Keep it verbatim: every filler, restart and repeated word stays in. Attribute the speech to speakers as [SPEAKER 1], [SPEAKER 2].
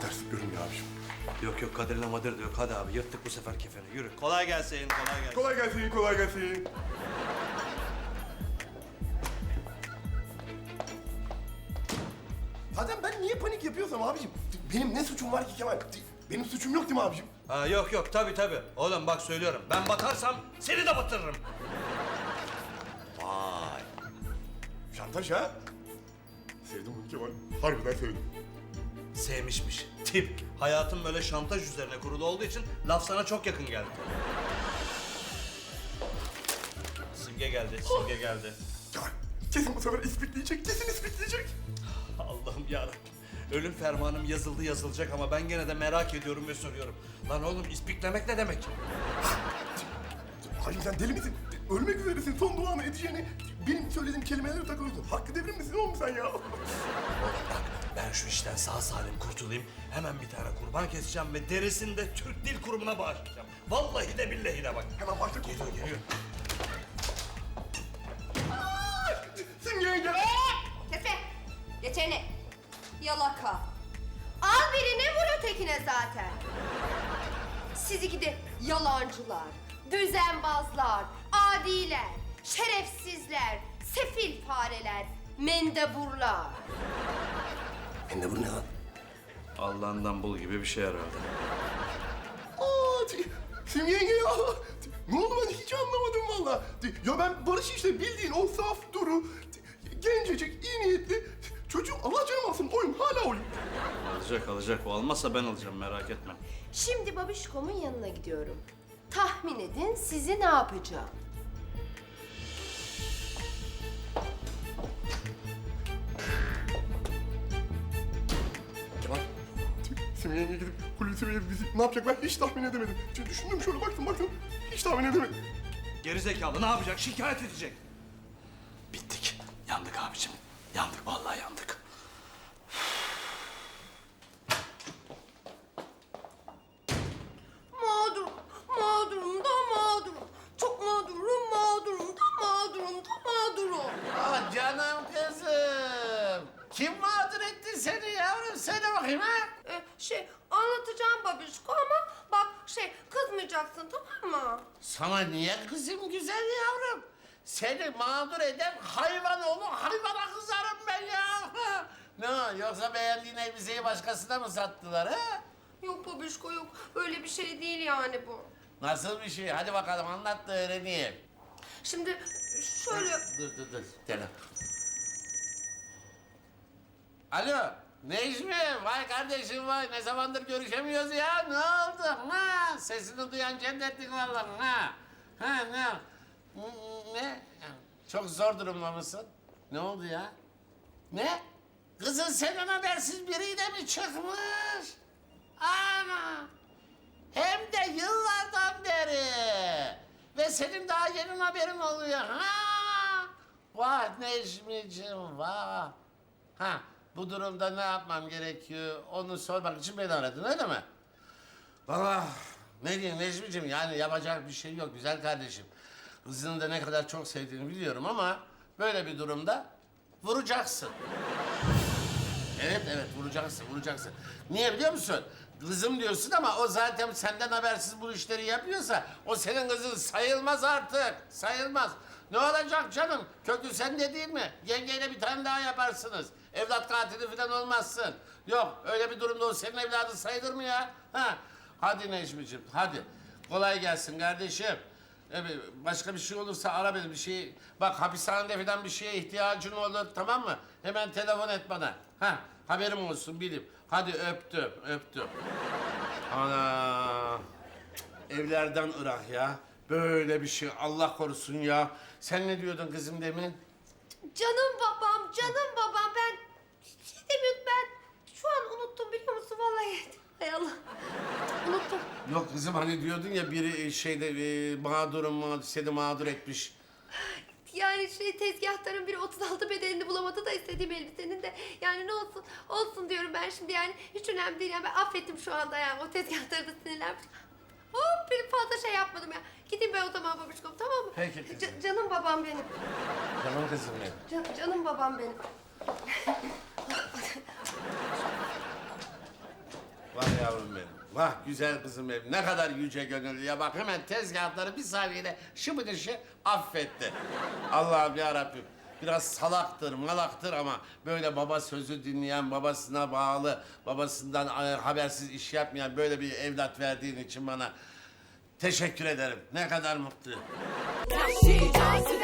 [SPEAKER 1] ters yapıyorum ya abiciğim.
[SPEAKER 2] Yok yok Kadir'le Madir de yok. Hadi abi yırttık bu sefer kefeni. Yürü. Kolay gelsin, kolay gelsin.
[SPEAKER 1] Kolay gelsin, kolay gelsin. Zaten ben niye panik yapıyorsam abiciğim? Benim ne suçum var ki Kemal? Benim suçum yok değil mi abiciğim?
[SPEAKER 2] Ha, yok yok tabii tabii. Oğlum bak söylüyorum. Ben batarsam seni de batırırım.
[SPEAKER 1] Vay. Şantaj ha? Sevdim bunu Kemal. Harbiden sevdim.
[SPEAKER 2] Sevmişmiş. Tip. Hayatım böyle şantaj üzerine kurulu olduğu için laf sana çok yakın geldi. Simge geldi, Simge geldi.
[SPEAKER 1] Kemal, kesin bu sefer ispikleyecek, kesin ispikleyecek.
[SPEAKER 2] Allah'ım yarabbim. Ölüm fermanım yazıldı yazılacak ama ben gene de merak ediyorum ve soruyorum. Lan oğlum ispiklemek ne demek?
[SPEAKER 1] Halim sen deli misin? Ölmek üzeresin, son duanı edeceğini benim söylediğim kelimelere takılıyorsun. Hakkı devrim misin oğlum sen ya?
[SPEAKER 2] Oğlum bak ben şu işten sağ salim kurtulayım. Hemen bir tane kurban keseceğim ve derisini de Türk Dil Kurumu'na bağışlayacağım. Vallahi de billahi de bak.
[SPEAKER 1] Hemen başla
[SPEAKER 2] Geliyor
[SPEAKER 1] kurtulalım.
[SPEAKER 2] geliyor.
[SPEAKER 1] Simge'ye gel.
[SPEAKER 3] Kefe! Geçeni! Yalaka! Al birini vur ötekine zaten. Siz iki de yalancılar, düzenbazlar, adiler, şerefsizler, sefil fareler, mendeburlar.
[SPEAKER 1] Ben de bu ne lan?
[SPEAKER 2] Allah'ından bul gibi bir şey herhalde.
[SPEAKER 1] Aa, t- Simge yenge ya. T- Ne oldu ben hiç anlamadım valla. T- Ya ben Barış işte bildiğin o saf duru, t- gencecik, iyi niyetli çocuğum. Allah canım alsın oyun hala oyun.
[SPEAKER 2] Alacak alacak. O almazsa ben alacağım merak etme.
[SPEAKER 3] Şimdi babişkomun yanına gidiyorum. Tahmin edin sizi ne yapacağım?
[SPEAKER 1] Kemal. t- Simge yenge gidip Hulusi Bey'e bizi ne yapacak ben hiç tahmin edemedim. Çünkü düşündüm şöyle baktım baktım hiç tahmin edemedim.
[SPEAKER 2] Geri zekalı ne yapacak? Şikayet edecek. Bittik. Yandık abicim. Yandık vallahi yandık.
[SPEAKER 3] Mağdurum, mağdurum da mağdurum. Çok mağdurum, mağdurum da mağdurum da mağdurum.
[SPEAKER 4] Ah canım kızım. Kim mağdur etti seni yavrum? Söyle bakayım ha.
[SPEAKER 3] Ee, şey anlatacağım babişko ama bak şey kızmayacaksın tamam mı?
[SPEAKER 4] Sana niye kızım güzel yavrum? Seni mağdur eden hayvan oğlu hayvana kızarım ben ya. Ne yoksa beğendiğin elbiseyi başkasına mı sattılar ha?
[SPEAKER 3] Yok babişko yok öyle bir şey değil yani bu.
[SPEAKER 4] Nasıl bir şey? Hadi bakalım anlat da öğreneyim.
[SPEAKER 3] Şimdi şöyle
[SPEAKER 4] Dur dur dur. Gel. Alo. Necmi, vay kardeşim vay. Ne zamandır görüşemiyoruz ya. Ne oldu? Ha, sesini duyan cennetlik vallahi. Ha, ha ne? Ne? Çok zor durumda mısın? Ne oldu ya? Ne? Kızın senden habersiz biriyle mi çıkmış? Ana! Hem de yıllardan beri. Ve senin daha yeni haberin oluyor. Ha! Vah Necmi'cim vah. Ha, bu durumda ne yapmam gerekiyor onu sormak için beni aradın öyle mi? Valla ne diyeyim Necmi'cim yani yapacak bir şey yok güzel kardeşim. Kızını da ne kadar çok sevdiğini biliyorum ama böyle bir durumda vuracaksın. Evet evet vuracaksın vuracaksın. Niye biliyor musun? Kızım diyorsun ama o zaten senden habersiz bu işleri yapıyorsa o senin kızın sayılmaz artık. Sayılmaz. Ne olacak canım? Kökü sende değil mi? Yengeyle bir tane daha yaparsınız. Evlat katili falan olmazsın. Yok öyle bir durumda o senin evladın sayılır mı ya? Ha? Hadi Necmi'ciğim hadi. Kolay gelsin kardeşim. Evet, başka bir şey olursa ara beni bir şey. Bak hapishanede falan bir şeye ihtiyacın olur tamam mı? Hemen telefon et bana. Ha, haberim olsun bileyim. Hadi öptüm, öptüm. Ana. Evlerden ırak ya. Böyle bir şey Allah korusun ya. Sen ne diyordun kızım demin?
[SPEAKER 3] canım babam canım babam ben şey demiyordum ben şu an unuttum biliyor musun vallahi. Hay Allah unuttum.
[SPEAKER 4] Yok kızım hani diyordun ya biri şeyde e, mağdurum mağdur, seni mağdur etmiş.
[SPEAKER 3] Yani şey tezgahtarın biri otuz altı bedenini bulamadı da istediğim elbisenin de yani ne olsun olsun diyorum ben şimdi yani hiç önemli değil yani ben affettim şu anda yani o tezgahtarı da sinirlenmiş. Hop bir fazla şey yapmadım ya. Gideyim ben o zaman babişkom tamam mı?
[SPEAKER 4] Peki kızım.
[SPEAKER 3] Ca- canım babam benim.
[SPEAKER 4] Tamam kızım benim.
[SPEAKER 3] Can- canım babam benim.
[SPEAKER 4] Vah güzel kızım benim, ne kadar yüce gönüllü ya. Bak hemen tezgahları bir saniyede şıbıdışı affetti. Allah'ım ya Rabbim. Biraz salaktır, malaktır ama böyle baba sözü dinleyen, babasına bağlı, babasından e, habersiz iş yapmayan böyle bir evlat verdiğin için bana teşekkür ederim. Ne kadar mutluyum.
[SPEAKER 5] Vahşi cazibe